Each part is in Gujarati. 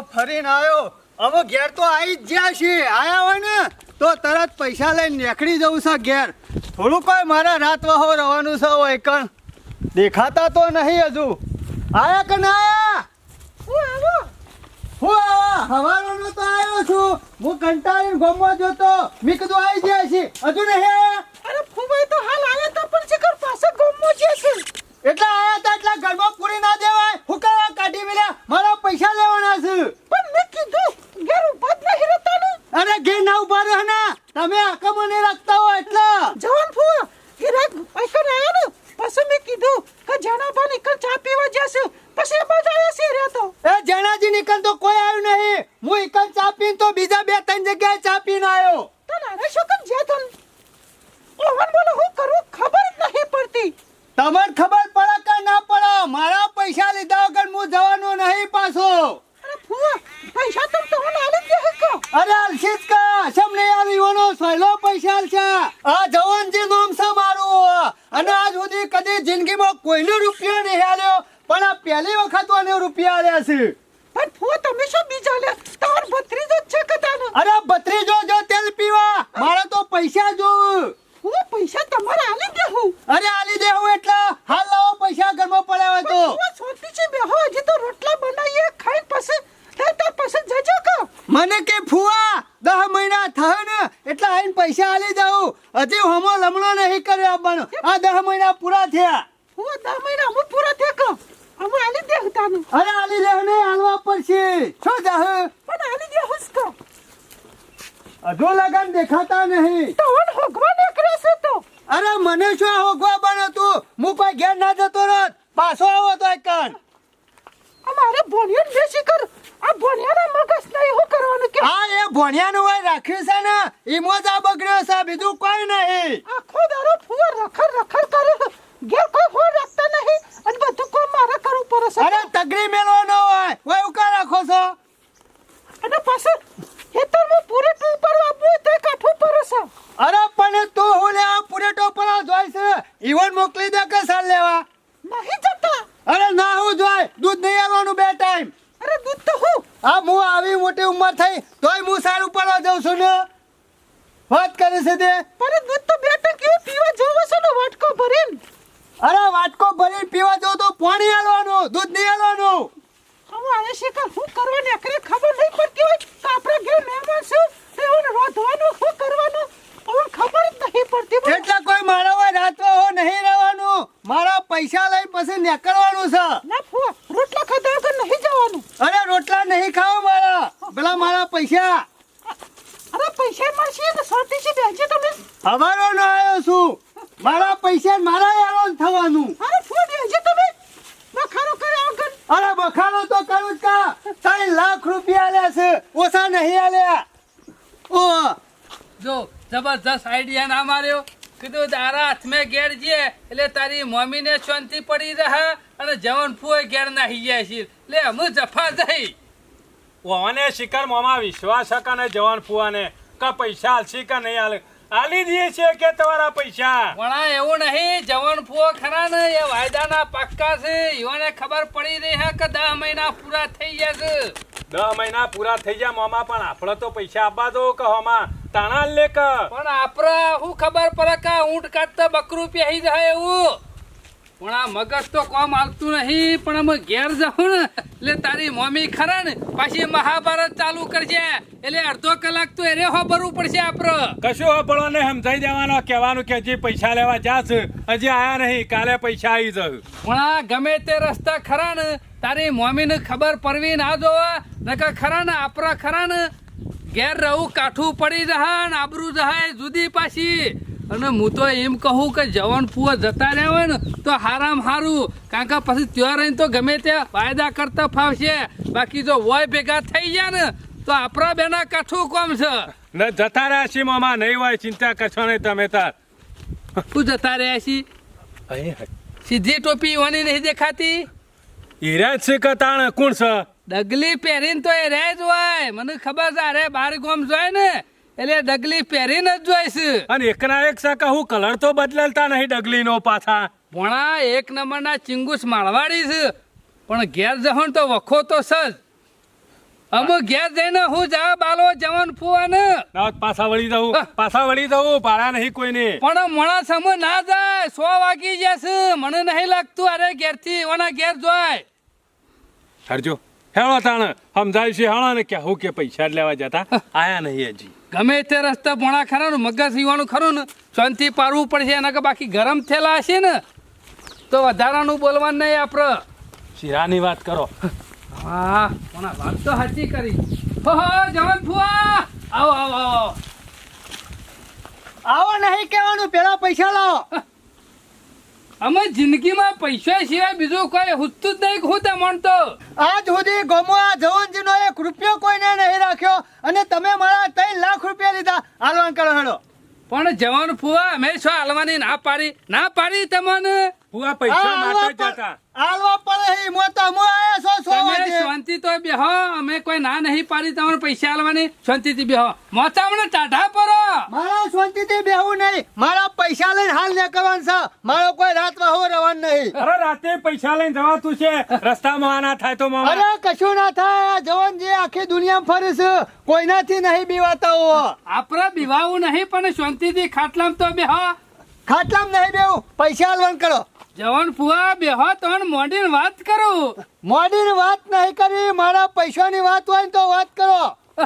ફરીને આવ્યો. હવે ઘેર તો આવી જ જ્યાં છે. આયા હોય ને તો તરત પૈસા લઈને નીકળી જવું છે ઘેર. થોડું કોઈ મારા રાત વહો રહેવાનું છે. હોય કણ દેખાતા તો નહીં હજુ. આયા કે ના આયા? હું હવારોનો તો આવ્યો છું. હું કંટાળીને ગોમમાં જોતો. મેં કીધું આવી જાય છે. હજુ નહીં આયા? અરે ફુવાઈ તો હાલ આવ્યા તા પણ શિખર પાછા ગોમમાં છે. એટલા આયા તા એટલા ઘરમાં પૂરી ના દેવાય. હું કરવા કાઢી મેલ્યા? મારા પૈસા લેવાના છે. પણ મેં કીધું ઘેર ઉભા જ નહીં રહેતા ને. અરે ઘેર ના ઉભા રહો ને. તમે આખા મને રાખતા હો એટલે. જવાન ફુવા એ રાત પૈસા આયા ને પછી મેં કીધું કે જણાબા નીકળ ચા પીવા જશે. પછી એ બાજુ આવ્યા છે રહેતો. એ જણાજી નીકળ તો કોઈ આવ્યું નહીં. હું એકલ ચા પીને તો બીજા 2-3 જગ્યાએ ચા પીને આવ્યો. તો નાના છોકરા જ્યાં તન ઓવન બોલો હું કરું ખબર જ નહીં પડતી. તમને ખબર પડે કે ના પડે? મારા પૈસા લીધા વગર હું જવાનો નહીં પાછો. અરે ફુવા પૈસા તો તમને આલી દે હકો. અરે અલશીત કા સમ નહીં આવીવાનો સહેલો પૈસા છે. આ જવાનજી નામ છે મારું. અને આજ સુધી કદી જિંદગીમાં કોઈનો રૂપિયો નહીં આલ્યો. પણ આ પહેલી વખત મને રૂપિયા આલ્યા છે. પણ ફુવા તમે શું બીજા લે તમાર ભત્રીજો જ છે કદાનો. અરે ભત્રીજો જો તેલ પીવા મારે તો પૈસા જોવું. ફુવા પૈસા તમારે આલી દે હું. અરે આલી દેવું એટલે હાલ લાવો પૈસા ઘરમાં પડ્યા હોય તો. ફુવા સોતી છે બેહો હજી તો રોટલા બનાવીએ ખાઈને પછી તાર પછી જજો કો. મને કે ફુવા 10 મહિના થાય ને એટલે આઈને પૈસા આલી દઉં. હજી હમો લમણો નહીં કર્યો આપવાનો. આ 10 મહિના પૂરા થયા. ફુવા 10 મહિના હું પૂરા થયા કો અમે આલી દે તાનું. અરે આલી દે ને હાલવા પડશે. શું જાહ પણ આલી દે હુસકો. હજુ લગન દેખાતા નહીં. તો ઓન હોગવા નીકળે છે તો. અરે મને શું હોગવા બનો તું? હું કોઈ ઘેર ના જતો રત. પાછો આવો તો એકન. અમારે ભોણિયો બેસી કર. આ ભોણિયાના મગજ નહીં હું કરવાનું કે. હા એ ભણ્યાનું હોય રાખ્યું છે ને ઈમો જ આ બગડ્યો છે. બીજું કોઈ નહીં. આખો દારો ફુવા રખડ કરે. ઘેર કોઈ ફોન રાખતા નહીં અને બધું કોઈ મારે કરવું પડે છે. અરે તગડી મેલવાનો હોય હોય ઉકા રાખો છો. અને પાછળ ખેતરમાં પૂરેટું ઉપર આપવું તો કાઠું પડે છે. અરે પણ તું હું લેવા પૂરેટો પર જોઈ છે. ઈવન મોકલી દે કે સાલ લેવા. નહીં જતા. અરે ના હું જોઈ દૂધ નહીં આવવાનું 2 ટાઈમ. અરે દૂધ તો હું. હા હું આવી મોટી ઉંમર થઈ તોય હું સારું પડવા જાઉં છું ને. વાત કરે છે તે. પણ દૂધ તો 2 ટંકી પીવા જોવો છે ને વાટકો ભરીને. અરે વાટકો ભરીને પીવા જાઉં તો પાણી આલવાનું દૂધ નહીં આલવાનું. હવે આયા છે કે હું કરવા નીકળે ખબર નહીં પડતી હોય કે આપણા ઘેર મહેમાન છે એવું રોધવાનું શું કરવાનું હવે ખબર જ નહીં પડતી. એટલે કોઈ મારા હોય રાતવા હો નહીં રહેવાનું. મારા પૈસા લઈ પછી નીકળવાનું છે. ના ફુવા રોટલા ખાધા વગર નહીં જવાનું. અરે રોટલા નહીં ખાવ મારા. પેલા મારા પૈસા. અરે પૈસા મળશે ને સોતી છે બેજે તમે. હવારો ન આવ્યો છું. મારા પૈસા મારા યારો થવાનું. અરે ફુવા બેજે તમે બખારો કર્યા વગર. અરે બખાડો તો કરું જ કા. 3 લાખ રૂપિયા આલ્યા છે ઓછા નહીં આલ્યા. ઓ જો જબરજસ્ત આઈડિયા ના માર્યો. કીધું તારા હાથમાં ઘેર છે એટલે તારી મમ્મીને શાંતિ પડી રહે અને જવન ફૂએ ઘેર નાહી જાય છે એટલે અમુ જફા જઈ. ઓને શિખર મોમાં વિશ્વાસ હકા ને જવાન ફુવાને કે પૈસા આલસી કે નહીં આલે આલી દઈએ છે કે તમારા પૈસા. પણ એવું નહીં જવન ફૂઓ ખરા ને એ વાયદાના પાક્કા છે. ઈવોને ખબર પડી રહી હે કે 10 મહિના પૂરા થઈ ગયા છે. 10 મહિના પૂરા થઈ ગયા મોમાં પણ આપણે તો પૈસા આપવા દો કે હોમાં તાણા લે કે. પણ આપડે શું ખબર પડે કે ઊંટ કાઢતા બકરું પહેરી જાય એવું. પણ આ મગજ તો કોમ આવતું નહીં. પણ અમે ઘેર જાઉં ને એટલે તારી મમ્મી ખરા ને પાછી મહાભારત ચાલુ કરશે એટલે અડધો કલાક તો એને હોબરવું પડશે આપડે. કશું હોબળો ને સમજાઈ દેવાનો કહેવાનું કે હજી પૈસા લેવા જાસ હજી આયા નહીં કાલે પૈસા આવી જશે. પણ આ ગમે તે રસ્તા ખરા ને તારી મમ્મીને ખબર પડવી ના જોવા નકર ખરા ને આપડા ખરા ને ઘેર રહું કાઠું પડી રહે ને આબરૂ રહે જુદી પાછી. અને હું તો એમ કહું કે જવાન ફુવા જતા રહ્યા હોય ને તો હારામ હારું. કારણ કે પછી ત્યાં રહીને તો ગમે તે વાયદા કરતા ફાવશે. બાકી જો વોય ભેગા થઈ ગયા ને તો આપણા બેના કાઠું કોમ છે. ને જતા રહ્યા છીએ મામા નહીં હોય ચિંતા કરશો નહીં તમે તાર. શું જતા રહ્યા છી? સીધી ટોપી ઓની નહીં દેખાતી. હીરા છે કે તાણ કોણ છે? ડગલી પહેરીને તો એ રહે જ હોય. મને ખબર છે અરે બાર ગોમ જોય ને એટલે ડગલી પહેરીને જ જોઈશ. અને એકના એક સાકા હું કલર તો બદલાતા નહીં ડગલી નો પાછા. ભણા 1 નંબરના ચિંગુસ માળવાડી છે પણ ઘેર જહણ તો વખો તો સજ. અમે ઘેર જઈને હું જા બાલો જવાન ફુવાને ના પાછા વળી જવું ભાડા નહીં કોઈને. પણ મોણા સમય ના જાય 100 વાગી જશે મને નહીં લાગતું અરે ઘેરથી ઓના ઘેર જોય હરજો હેળો તાણ સમજાય છે હેળો ને કે હું કે પૈસા જ લેવા જતા આયા નહીં હજી. ગમે તે રસ્તા ભોણા ખરા ને મગજ સીવાનું ખરું ને શાંતિ પાડવું પડશે એના કે બાકી ગરમ થયેલા હશે ને તો વધારાનું બોલવાનું નહીં આપણે. શિરાની વાત કરો. હા ભોણા વાત તો સાચી કરી. હો જવાન ફુવા આવો આવો આવો. આવો નહીં કહેવાનું, પેલા પૈસા લાવો. અમે જિંદગીમાં પૈસા સિવાય બીજું કોઈ હુતું જ નહીં હું તે માનતો. આજ સુધી ગમો આ જવનજીનો 1 રૂપિયો કોઈને નહીં રાખ્યો અને તમે મારા 3 લાખ રૂપિયા લીધા. હાલવાન કરો હેડો. પણ જવાન ફુવા અમે શું હાલવાની ના પાડી તમને. ફુવા પૈસા માટે જ જતા. હાલવા પડે હી મો તો મો આયા છો 100 તમે વાગે. શાંતિ તો બેહો અમે કોઈ ના નહીં પાડી તમને પૈસા હાલવાની શાંતિથી બેહો. મોચામણે ટાઢા પરો. મારા શાંતિથી બેહવું નહીં, મારા પૈસા લઈને હાલ નીકળવાનું છે. મારો કોઈ રાત વાહો રવાનું નહીં. અરે રાતે પૈસા લઈને જવાતું છે રસ્તામાં આના થાય તો મામા. અરે કશું ના થાય. આ જવાન જે આખી દુનિયામાં ફરે છે કોઈનાથી નહીં બીવાતા હો. આપડે બીવાવું નહીં પણ શાંતિથી ખાટલામ તો બેહો. ખાટલામાં નહીં બેહું, પૈસા હાલવાન કરો. જવાન ફુવા બેહો તો મોડીને વાત કરું. મોડીની વાત નહીં કરી, મારા પૈસાની વાત હોય ને તો વાત કરો.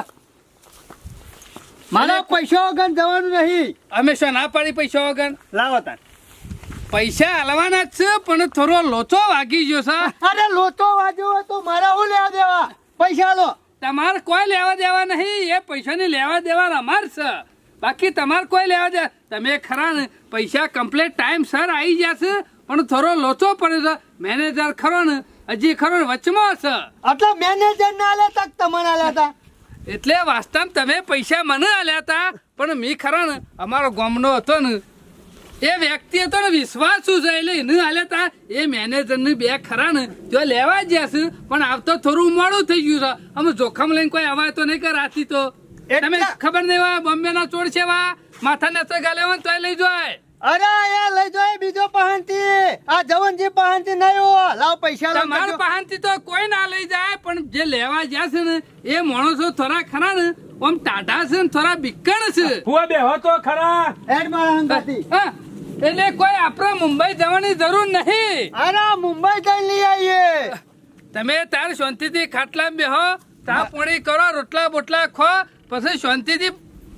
મારા પૈસા વગર જવાનું નહીં. અમે શું ના પાડી પૈસા વગર? લાવો તાર. પૈસા હાલવાના જ છે પણ થોડો લોચો વાગી ગયો છે. અરે લોચો વાગ્યો હોય તો મારા હું લેવા દેવા? પૈસા લો. તમારે કોઈ લેવા દેવા નહીં, એ પૈસાની લેવા દેવા અમાર છે. બાકી તમારે કોઈ લેવા દે. તમે ખરા ને પૈસા કમ્પ્લીટ ટાઈમ સર આવી જશે પણ થોડો લોચો પડે છે. મેનેજર ખરો ને હજી ખરો ને વચમાં છે એટલે મેનેજર ના આલ્યા તક તમને આલ્યા હતા. એટલે વાસ્તવમાં તમે પૈસા મને આલ્યા હતા પણ મી ખરા ને અમારો ગામનો હતો ને એ વ્યક્તિ હતો ને વિશ્વાસુ છે એટલે એને આલ્યા હતા. એ મેનેજર ને બે ખરા ને જો લેવા જ જશે પણ આવતો થોડું મોડું થઈ ગયું છે. અમે જોખમ લઈને કોઈ અવાય તો નહીં કરાતી તો તમે ખબર નહીં વા બોમ્બે ના ચોર છે વા માથા ને ગાલે તો લઈ જાય. અરે એ લઈ જાય બીજો પહાણથી. આ જવનજી પહાણથી નહીં હો. લાવ પૈસા લો. તમારા પહાણથી તો કોઈ ના લઈ જાય પણ જે લેવા જ્યાં છે ને એ માણસો થોડા ખરા ને આમ ટાઢા છે ને થોડા બીકણ છે. ફુવા બેહો તો ખરા. હેડ મારા હંગાથી. હા, એટલે કોઈ આપણે મુંબઈ જવાની જરૂર નહીં. અરે મુંબઈ જઈ લઈ આવીએ. તમે તાર શાંતિથી ખાટલા બેહો, ચા પાણી કરો, રોટલા બોટલા ખો, પછી શાંતિથી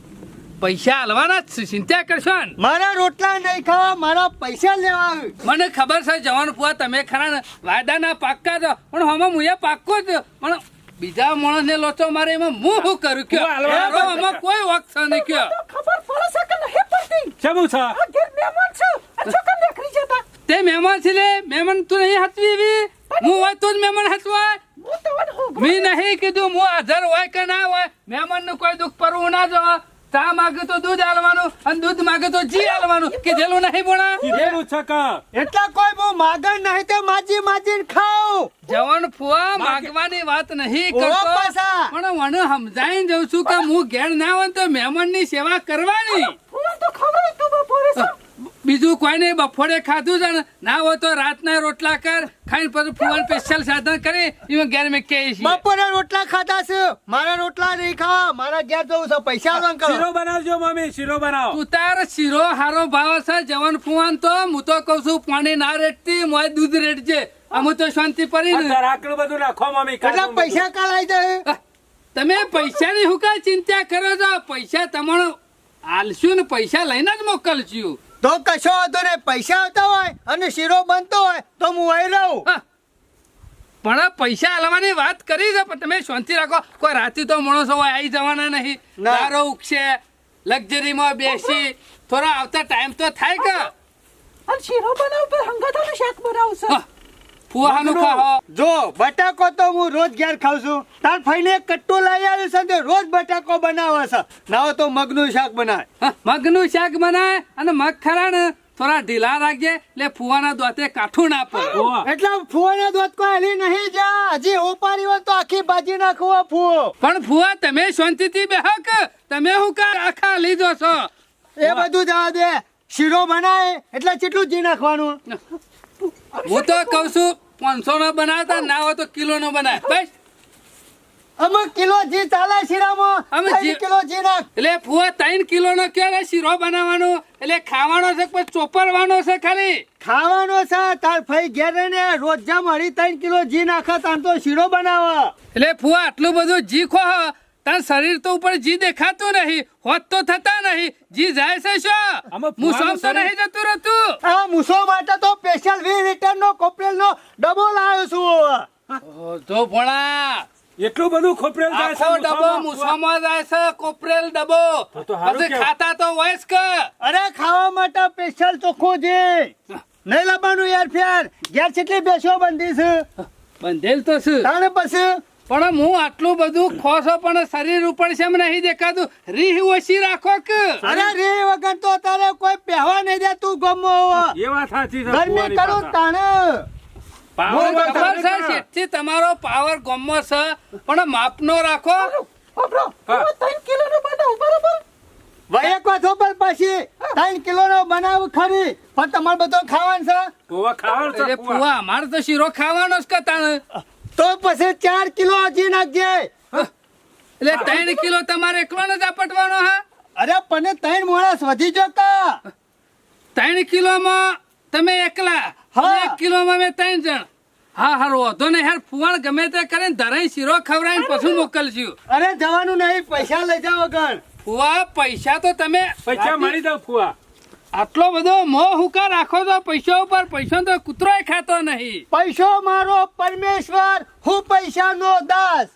પૈસા હાલવાના જ છે. ચિંતા કરશો ને. મારા રોટલા નહીં ખાવા, મારા પૈસા લેવા આવ્યું. મને ખબર છે જવાનું ફુવા તમે ખરા ને વાયદાના પાક્કા છો પણ હમણાં હું એ પાક્કો જ પણ બીજા માણસને લોચો મારે એમાં હું શું કરું કયો? એનો આમાં કોઈ વખત નહીં કયો. ખબર પડે છે કે નહીં પડતી? શેનું છે? આ ઘેર મહેમાન છે. આ છોકરા નીકળી જતા. તે મહેમાન છે લે મહેમાન તું નહીં હચવી એવી હું હોય તો જ મહેમાન હચવાય. હું તો વન હું મેં નહીં કીધું હું હાજર હોય કે ના હોય મહેમાન નું કોઈ દુઃખ પરવું ના જો. ચા માગે તો દૂધ આલવાનું અને દૂધ માગે તો જી આલવાનું કીધેલું નહીં બોણા. કીધેલું છે કા? એટલા કોઈ બહુ માગણ નહીં તે માજી માજીને ખાવ. જવાન ફુવા માગવાની વાત નહીં કરતો પાછા. પણ મને સમજાઈને જઉં છું કે હું ઘેર ના હોય તો મહેમાન ની સેવા કરવાની. ફૂલ તો ખવડાય તો બપોરે છે. બીજું કોઈ નહીં બપોરે ખાધું છે ને ના હોય તો રાતના રોટલા કર ખાઈને પછી ફુવાન સ્પેશિયલ સાધન કરી એમાં ઘેર મેં કહે છે. બપોરે રોટલા ખાધા છે, મારા રોટલા નહીં ખાવા. મારા ઘેર જવું છે. પૈસા આલવાન કરો. શીરો બનાવજો મમ્મી, શીરો બનાવો. તું તાર શીરો હારો ભાવ છે જવાન ફુવાન તો હું તો કઉ છું પાણી ના રેટતી મોય દૂધ રેટજે. અમુ તો શાંતિ પડી ને. અંદર આટલું બધું નાખો મમ્મી. એટલા પૈસા કાલ આવી જાય. તમે પૈસાની હું કાંઈ ચિંતા કરો છો? પૈસા તમારો હાલશું ને પૈસા લઈને જ મોકલશું. તો કશો વાંધો નહીં. પૈસા આવતા હોય અને શીરો બનતો હોય તો હું અહીં રહું. હા. પણ પૈસા હાલવાની વાત કરી છે પણ તમે શાંતિ રાખો. કોઈ રાતે તો માણસો હોય આવી જવાના નહીં. ના. દારો ઉગશે લક્ઝરીમાં બેસી થોડા આવતા ટાઈમ તો થાય કે. અને શીરો બનાવ પર હંગાતાનું શાક બનાવશે. હા. ફુવાનું ખાઓ. જો બટાકો તો હું રોજ ઘેર ખાઉં છું. તાર ફઈને એક કટ્ટો લઈ આવ્યું છે તે રોજ બટાકો બનાવે છે. ના હોય તો મગનું શાક બનાવે. હા, મગનું શાક બનાય અને મગ ખરા ને થોડા ઢીલા રાખજે એટલે ફુવાના દોતે કાઠું ના પડે. ઓવા. એટલે ફુવાના દૂધ કોઈ હલી નહીં જા. હજી ઉપાડી હોય તો આખી ભાજી નાખવો ફુવો. પણ ફુવા તમે શાંતિથી બેહો કે તમે હું કા આખા લીધો છો. એ બધું જવા દે. શીરો બનાવે એટલે કેટલું જી નાખવાનું? હું તો કઉ છું 500 નો બનાવતા ના હોય તો કિલો નો બનાય બસ. અમુક કિલો જી ચાલે શીરામાં અમે 3 જી- કિલો જી નાખ. એટલે ફુવા 3 કિલોનો ક્યારે શીરો બનાવવાનો એટલે ખાવાનો છે કે પછી ચોપરવાનો છે ખાલી ખાવાનો છે તાર ફઈ ઘેર રહીને રોજ જા મળી 3 કિલો જી નાખે તાર તો શીરો બનાવે. એટલે ફુવા આટલું બધું જી ખો તાર શરીર તો ઉપર જી દેખાતું નહીં હોત તો થતા નહીં જી જાય છે શું આમાં હું ફુવાનું તો નહીં જતું રહેતું આ મૂસો માટે તો સ્પેશિયલ 20 લીટરનો કોપરેલનો ડબ્બો લાવ્યો છું. જો ભણા એટલું બધું ખોપરેલ જાય છે આખો ડબ્બો મૂસામાં, ફુવા. મૂસામાં જાય છે કોપરેલ ડબ્બો તો હારું પછી કહેવાય. ખાતા તો હોય જ કે અરે ખાવા માટે સ્પેશિયલ ચોખ્ખું જી નહીં લાવવાનું યાર ફેર ઘેર કેટલી બેસો બંધી છે બંધેલ તો છે તાણે પછી પણ હું આટલું બધું ખોસો પણ શરીર ઉપર છે એમ નહીં દેખાતું રીહ ઓછી રાખો કે અરે રે વગર તો તારે કોઈ પહેવા નહીં દે તું ગમો એ વાત સાચી છે ગરમી ફુવાની કરું પાછા. તાણે પાવર હું વાત ખબર સાચી છે છે. શેઠજી તમારો પાવર ગમો છે પણ માપનો રાખો બાપરો હા. 3 કિલોનો બનાવ બરાબર ભાઈ એક વાત ઉપર પછી 3 કિલોનો બનાવ ખરી પણ તમારે બધો ખાવાનું છે ફુવા ખાવાનું છે, એટલે ફુવા. ફુવા અમારે તો શીરો ખાવાનો જ કે તાણે તો પછી 4 કિલો હજી નાખજે. એટલે 3 કિલો તમારે એકલો જ આપટવાનો હા અરે પણ 3 માણસ વધી જતા 3 કિલોમાં તમે એકલા હા. 1 કિલોમાં મેં 3 જણ હા હારું વાંધો નહીં યાર ફુવાણ ગમે તે કરીને ધરાઈ શીરો ખવડાવીને પછી મોકલશું અરે જવાનું નહીં પૈસા લઈ જાવ વગર ફુવા પૈસા તો તમે પૈસા મળી જાવ ફુવા. આટલો બધો મોહ હુકા રાખો તો પૈસા ઉપર પૈસા તો કૂતરોય ખાતો નહીં પૈસો મારો પરમેશ્વર હું પૈસાનો દાસ.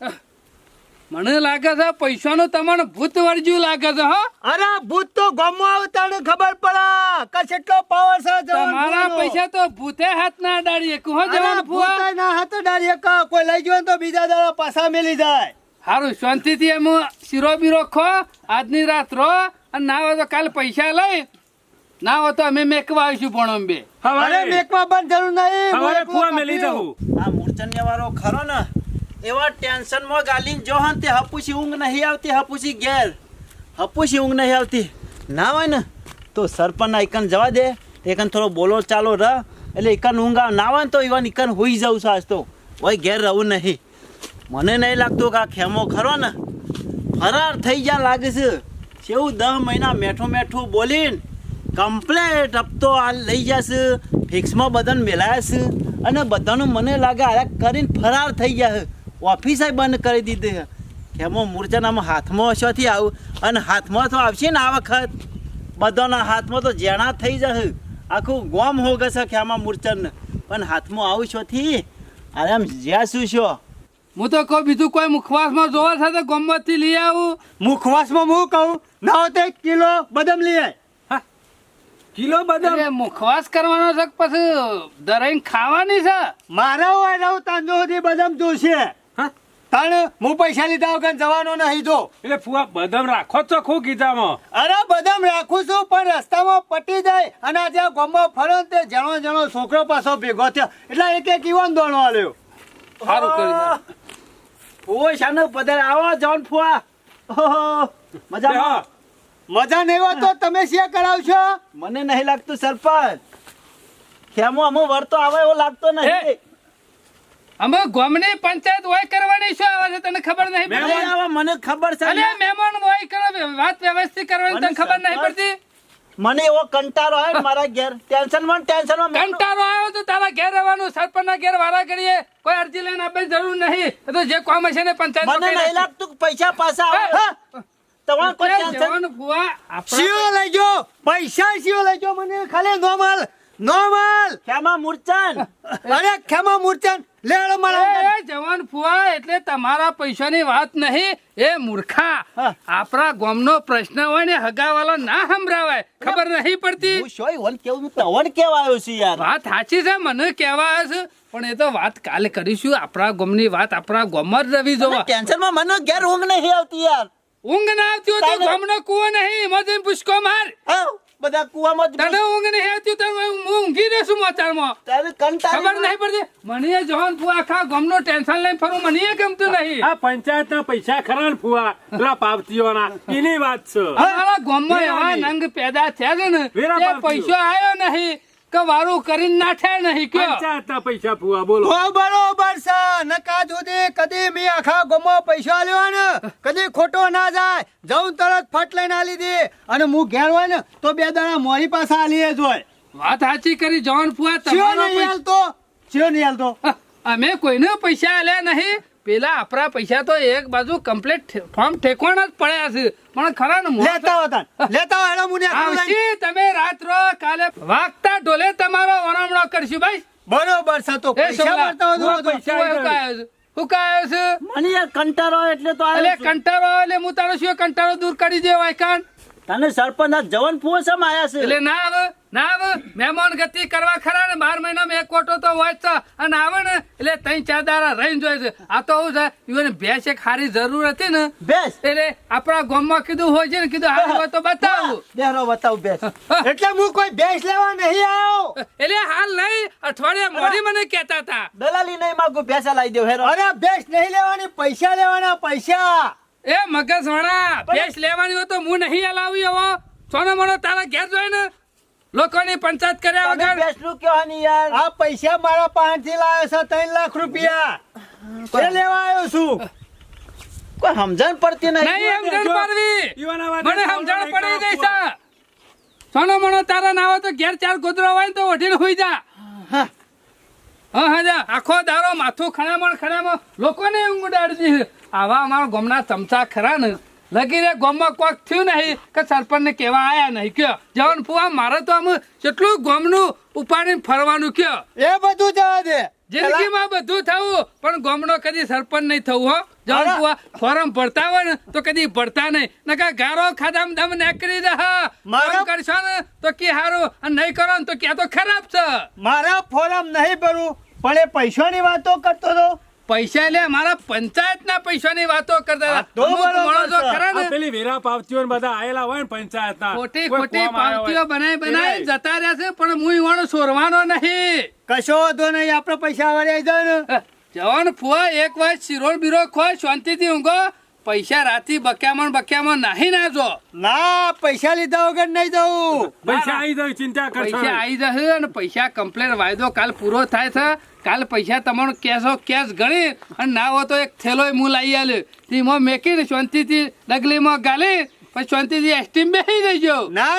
મને લાગે છે પૈસાનું તમને ભૂત વર્જ્યું લાગે છે હો અરે ભૂત તો ગમો આવતાને ખબર પડે કે કેટલો પાવર છે જવાન તમારા ફુવાનો. પૈસા તો ભૂતે હાથ ના અડાડીએ કહો અરે જવાન ફુવા ભૂતાય ના હાથ ડાળીએ કે કોઈ લઈ ગયો ને તો બીજા દાડા પાછા મેલી જાય. હારું શાંતિથી એમ શીરો બીરો ખો આજની રાત રહો અને ના હોય તો કાલે પૈસા લઈ ના હોય તો અમે મેકવા આવીશું ભણો બે અરે હવારે મેકવા પણ જરૂર નહીં હું હવારે એકલો ફુવા મેલી કાપ્યો. જવું. આ મૂર્છન્ય વાળો ખરો ને એવા ટેન્શનમાં ગાલીને જો હન તે હપુસી ઊંઘ નહીં આવતી હપુસી ઘેર હપુસી ઊંઘ નહીં આવતી ના હોય ને તો સરપંચ એકન જવા દે એકન થોડો બોલો ચાલો રહ એટલે એકન ઊંઘ આવે ના હોય ને તો ઈવન એકન હોઈ જાઉં છું આજ તો ઓય ઘેર રહું નહીં મને નહીં લાગતું કે આ ખેમો ખરો ને ફરાર થઈ ગયા લાગે છે કેવું 10 મહિના મેઠું મેઠું બોલીને કમ્પ્લેટ હપ્તો આ લઈ જશે ફિક્સમાં બધાને મેલાયા છે અને બધાનું મને લાગે આ કરીને ફરાર થઈ ગયા છે ઓફિસે બંધ કરી દીધી છે ખેમો મૂર્છાનામાં હાથમાં હશોથી આવું અને હાથમાં તો આવશે ને આ વખત બધાના હાથમાં તો જેણા થઈ જશે આખું ગોમ હો ગશે ખેમા મૂર્છાને પણ હાથમાં આવું છોથી અરે આમ જ્યાં શું છો હું તો કહું બીજું કોઈ મુખવાસમાં જોવા છે તો ગમતથી લઈ આવું મુખવાસમાં હું કહું ના હોય તો 1 કિલો બદામ લઈ આય. કિલો બદામ એટલે મુખવાસ કરવાનો છે કે પછી દરાઈને ખાવાની છે મારા હોય રહું તાંજો સુધી બદામ જોશે. હા? તાણ હું પૈસા લીધા વગર જવાનો નહીં જો. એટલે ફુવા બદામ રાખો જ ચોખ્ખું કીધામાં. અરે બદામ રાખું છું પણ રસ્તામાં પટી જાય અને આ જ્યાં ગામમાં ફરો ને તે જણો જણો છોકરો પાછો ભેગો થયો એટલે એક ઈવન દોડો આલ્યો. સારું કરી ઓય શાનો પધાર આવો જોન ફુવા ઓહો મજામાં મજા નહીં હોય તો તમે શેર કરાવશો. મને નહીં લાગતું સરપંચ ખેમો અમો વરતો આવે એવો લાગતો નહીં એ, અમે ગામની પંચાયત હોય કરવાની શું આવે છે તને ખબર નહીં નહીં પડતી આવે મને ખબર છે અલે મહેમાન હોય કરો વાત વ્યવસ્થિત કરવાની તને મને ખબર નહીં સરપંચ- પડતી મને એવો કંટાળો આવે ને મારા ઘેર ટેન્શનમાં કંટાળો આવ્યો તો તારા ઘેર રહેવાનું સરપંચના ઘેર વારા કરીએ કોઈ અરજી લઈને આપવાની જરૂર નહીં એ તો જે કામ હશે ને પંચાયત મને નહીં લાગતું કે પૈસા પાછા આવે હા? તમારે કોઈ ટેન્શન શિયો લઈ ગયો પૈસા શિયો લઈ ગયો મને ખાલી નોર્મલ ખેમા મૂર્છન અરે ખેમા મૂર્છન લેડો મારા જવાન ફુવા એટલે તમારા પૈસાની વાત નહીં એ મૂર્ખા હા. આપણા ગામનો પ્રશ્ન હોય ને હગાવાલો ના સંભળાવાય ખબર નહીં પડતી હું શોય વન કેવું તવન કેવા આવ્યો છું યાર વાત સાચી છે મને કહેવા આવે છે પણ એ તો વાત કાલે કરીશું આપણા ગામની વાત આપણા ગામમાં જ રવી જોવા ટેન્શનમાં મને ઘેર ઊંઘ નહીં આવતી યાર ઊંઘ ના આવતી હોય તો તારે- ગામનો કૂવો નહીં એમાં જઈને પૂછકો માર હા, બધા કુવામાં જ તને ઊંઘ નહીં આવતી તો હું ઊંઘી રહેશું મોચારમાં તારે કંટાળી ખબર નહીં પડતી મને જવાન ફુવા આખા ગામનો ટેન્શન લઈને ફરું મને એ ગમતું નહીં આ પંચાયતના પૈસા ખરા ને ફુવા પેલા પાવતીઓના એની વાત છે. અમારા ગામમાં એવા વેરાની. નંગ પેદા થયા છે ને વેરા એ પાવતીઓ. પૈસો આવ્યો નહીં કે વારું કરીને નાઠ્યા નહીં કયો પંચાયતના પૈસા ફુવા બોલો તો બરોબર છે નકા સુધી કદી મેં આખા ગામમાં પૈસા લેવા ને કદી ખોટો ના જાય જઉં તરત ફટ લઈને આલી દે અને હું ઘેર હોય ને તો 2 દાડા મોરી પાસે આલીએ જ હોય વાત સાચી કરી જવાન ફુવા ચિયો તમારો નહીં હાલતો ચિયો નહીં હાલતો અમે કોઈને પૈસા આલ્યા નહીં પેલા આપણા પૈસા તો એક બાજુ કમ્પ્લીટ ફોર્મ ઠેકવાના જ પડ્યા છે પણ ખરા ને મોં લેતા હો હેડો મુને આવશી તમે રાત્રો કાલે વાગતા ઢોલે તમારો વરામણો કરશું ભાઈ બરોબર છે તો એ પૈસા છોકરા, મળતા હોય તો શું કાયો છે? શું કાયો છે? મને યાર કંટાળો આવે એટલે તો એટલે આવ્યો છું. કંટાળો એટલે હું તારો શું કંટાળો દૂર કરી દે વાયકાન તને સરપંચ આ જવાન ફુવો સમ આયા છે એટલે ના આવે મહેમાન ગતિ કરવા ખરા ને 12 મહિનામાં એક કોટો તો હોય જ છે અને આવે ને એટલે 3-4 દાડા રહીને જોઈએ છે આ તો શું છે ઈવન ભેંસ એક હારી જરૂર હતી ને બેસ એટલે આપણા ગામમાં કીધું હોય છે ને કીધું હારી હોય તો બતાવું બેહરો બતાવ બેસ એટલે હું કોઈ બેસ લેવા નહીં આવ્યો એટલે હાલ નહીં અઠવાડિયા મોડી મને કહેતા હતા દલાલી નહીં માંગુ પૈસા લાવી દેવ હેરો અરે બેસ નહીં લેવાની પૈસા લેવાના પૈસા એ મગજ વાળા ભેંસ લેવાની હોય તો હું નહીં હલાવી હવે સોનો મનો તારા ઘેર જોઈ ને લોકોની પંચાયત કર્યા તમે વગર બેસલું કયો ની યાર આ પૈસા મારા પાસેથી લાવ્યો છે 3 લાખ રૂપિયા એ લેવા આવ્યો છું કોઈ સમજણ પડતી નહીં નહીં સમજણ પડવી ઈવાના વાતે મને બોલવું સમજણ નહીં પડી ગઈ કરવા. છે સોનો મનો તારા ના હોય તો ઘેર 4 ગોદરા હોય ને તો ઓઢીને હોઈ જા હા. હા જા આખો દારો માથું ખણામણ લોકોને ઊંઘ ઉડાડતી છે. આવા અમારા ગામના ચમચા ખરા ને લગીને ગામમાં કોક થયું નહીં કે સરપંચને કહેવા આયા નહીં કયો જવાન ફુવા મારે તો આમ કેટલું ગામનું ઉપાડીને ફરવાનું કયો એ બધું જવા દે જિંદગીમાં બધું થવું પણ ગામનો કદી સરપંચ નહીં થવું હો જવાન અરે. ફુવા ફોરમ ભરતા હોય ને તો કદી ભરતા નહીં નકા ગારો ખાધામ દમ નાખી દે હા મારા- કામ કરશો ને તો કે હારું અને નહીં કરો ને તો કે આ તો ખરાબ છે મારા ફોરમ નહીં ભરું પણ એ પૈસાની વાતો કરતો હતો પૈસા લે મારા પંચાયતના પૈસાની વાતો કરતા હા, હતા તો અમુક બરોબર માણસો છે. ખરા આ ને પેલી વેરા પાવતીઓ ને બધા આયેલા હોય ને પંચાયતના ખોટી કોઈ ખોટી ફોર્મ આવ્યો પાવતીઓ હોય. બનાવી જતા રહ્યા છે પણ હું ઈવાનો સોરવાનો નહીં કશો વાંધો નહીં આપણે પૈસા વાળી આવી જાય ને જવાન ફુવા એક વાર શિરોળ બીરો ખોય શાંતિથી ઊંઘો પૈસા રાતી બક્યામાં નાહી ના જો ના પૈસા લીધા વગર નહીં જવું પૈસા આવી જાય ચિંતા કરશો પૈસા નહીં. આવી જશે અને પૈસા કમ્પ્લેટ વાયદો કાલ પૂરો થાય છે કાલ પૈસા તમારો કેશ ગણી અને ના હોય તો એક થેલો હું લાવી આલ્યો તેમાં મેકીને શાંતિથી ડગલીમાં ગાલી પછી શાંતિથી એસટીમ બેસી જજો ના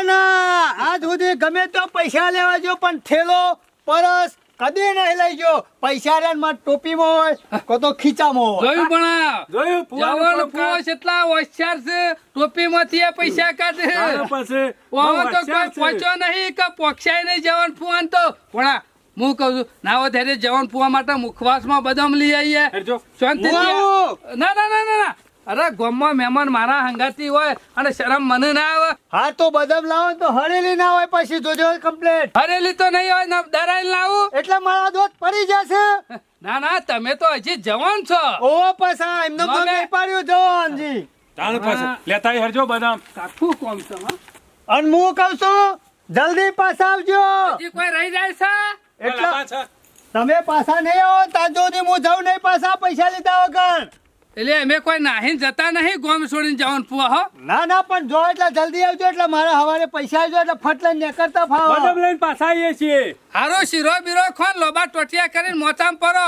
આજ સુધી ગમે તો પૈસા લેવા જો પણ થેલો પરસ કદી નહીં લઈ ગયો પૈસા રે માં ટોપીમાં હોય કો તો ખીચામાં હોય જોયું પણ જોયું ફુવાનું જવાન કામ ફુવા કાજ. કેટલા હોશિયાર છે ટોપીમાંથી આ પૈસા કાઢે તારા પાસે બહુ ઓમાં તો હોશિયાર કોઈ છે. પહોંચ્યો નહીં કે પોક્ષાય નહીં જવાન ફુવાન તો પણ હું કહું છું ના હોય ત્યારે જવાન ફુવા માટે મુખવાસમાં બદામ લઈ આવીએ હેરજો. શાંતિથી હું આવું. ના અરે ગામમાં મહેમાન મારા હંગાતી હોય અને શરમ મને ના આવે હા તો બદામ લાવો ને તો હળેલી ના હોય પછી જોજો કમ્પ્લેટ હરેલી તો નહીં હોય ને દરાઈ લાવું એટલે મારા દોત પડી જશે ના તમે તો હજી જવાન છો ઓવો પાછા એમને ના, નહીં પાડ્યું જવાનજી તારા પાસે લેતા આવી હેરજો બદામ કાઠું કોમ છે હો. અને હું કહું છું જલ્દી પાછા આવજો હજી કોઈ રહી જાય છે એટલે પાછા તમે પાછા નહીં આવો ત્યાં સુધી હું જાઉં નહીં પાછા પૈસા લીધા વગર એટલે અમે કોઈ નાહીને જતા નહીં ગોમ છોડીને જવાન ફુવા હો ના પણ જો એટલે જલ્દી આવજો એટલે મારા હવારે પૈસા આવજો એટલે ફટ લઈને નીકળતા ફાવો બદામ લઈને પાછા આવીએ છીએ હારો શીરો બીરો ખોન લોબા ટોટિયા કરીને મોચામ પરો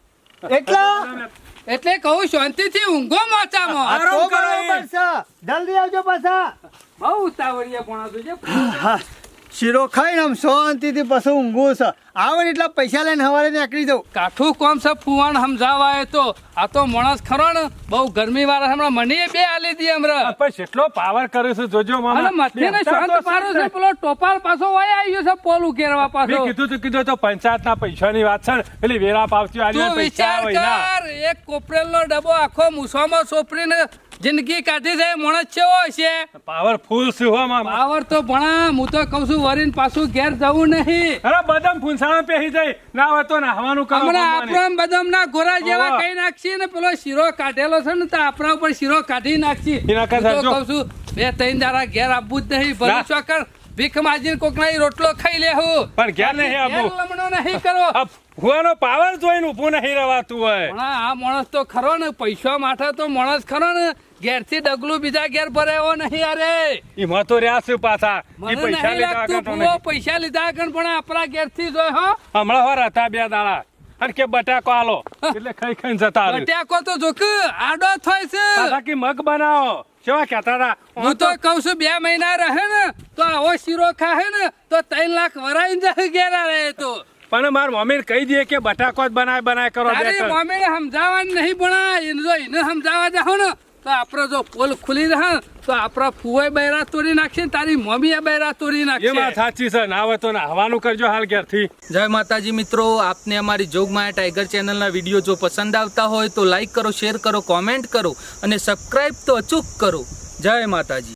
એટલા એટલે કહું શાંતિથી ઊંઘો મોચામાં આ તો આરામ કરો બરોબર એ. છે જલ્દી આવજો પાછા બહુ ઉતાવળિયા પણ હતું છે હા શીરો ખાઈને આમ શાંતિથી પછી ઊંઘું છે આવે ને એટલા પૈસા લઈને હવારે નીકળી જાઉં કાઠું કોમ છે ફુવાણ સમજાવાય તો આ તો માણસ ખરો ને બહુ ગરમી વાળા હમણાં મને બે આલી દી હમણાં પણ કેટલો પાવર કરે છે જોજો મામા અને મથે ને શાંત પાડો છે પેલો ટોપાલ પાછો વાય આવ્યો છે પોલ ઉકેરવા મેં પાછો કીધું તો પંચાયતના પૈસાની વાત છે ને પેલી વેરા પાવતી આલી તું પૈસા વિચાર હોય ના કર એક કોપરેલનો ડબ્બો આખો મૂછામાં સોપરીને જિંદગી કાઢી છે એ માણસ ચેવો હશે પાવરફુલ છે હો મામા પાવર તો ભણા હું તો કઉ છું વરીને પાછું ઘેર જવું નહીં અરે બદામ ફૂંસાણા પહેરી જાય ના હોય તો નાહવાનું કરો હમણાં ભગવાને. આપણા બદામના ગોરા જેવા હોવે. કઈ નાખશી ને પેલો શીરો કાઢેલો છે ને તો આપણા ઉપર શીરો કાઢી નાખશી એના કરતા હું તો જો. કહું છું 2-3 દાડા ઘેર આપવું જ નહીં ભલે ના. ચોકર ભીખ માજીને કોકના ઈ રોટલો ખાઈ લેવું પણ ઘેર નહીં આપવું. ઘેર લમણો નહીં કરો આ ફુવાનો પાવર જોઈને ઊભું નહીં રવાતું હોય પણ આ માણસ તો ખરો ને પૈસા માટે તો માણસ ખરો ને ઘેરથી ડગલું બીજા ઘેર ભરાયો નહીં અરે એમાં તો રહ્યા છે પાછા મને ઈ પૈસા નહીં લીધા લાગતું આગળ તો ભૂવો નહીં. પૈસા લીધા આગળ પણ આપણા ઘેરથી જોય હો હમણાં વાર હતા 2 દાડા અને કે બટાકો આલો એટલે ખાઈ ખાઈને જતા રહ્યું. બટાકો તો જોક આડો થાય છે પાછા કે મગ બનાવો કેવા કહેતા હતા હું તો કઉ છું 2 મહિના રહે ને તો આવો શીરો ખાહે ને તો 3 લાખ વરાઈ જાય ઘેરા રહે તો પણ માર મમ્મીને કહી દે કે બટાકો જ બનાય કરો તારી બેટર. મમ્મીને સમજાવવાનું નહીં ભણા એને સમજાવવા જાઓ ને તો આપણો જો પોલ ખુલી રહે તો આપણા ફુવાઈ બૈરા તોડી નાખશે ને તારી મમ્મી એ બૈરા તોડી એ વાત નાખશે સાચી છે ના હોય તો નાહવાનું કરજો હાલ ઘેરથી. જય માતાજી મિત્રો, આપને અમારી જોગમાયા ટાઈગર ચેનલના વિડીયો જો પસંદ આવતા હોય તો લાઈક કરો, શેર કરો, કોમેન્ટ કરો અને સબસ્ક્રાઈબ તો અચૂક કરો. જય માતાજી.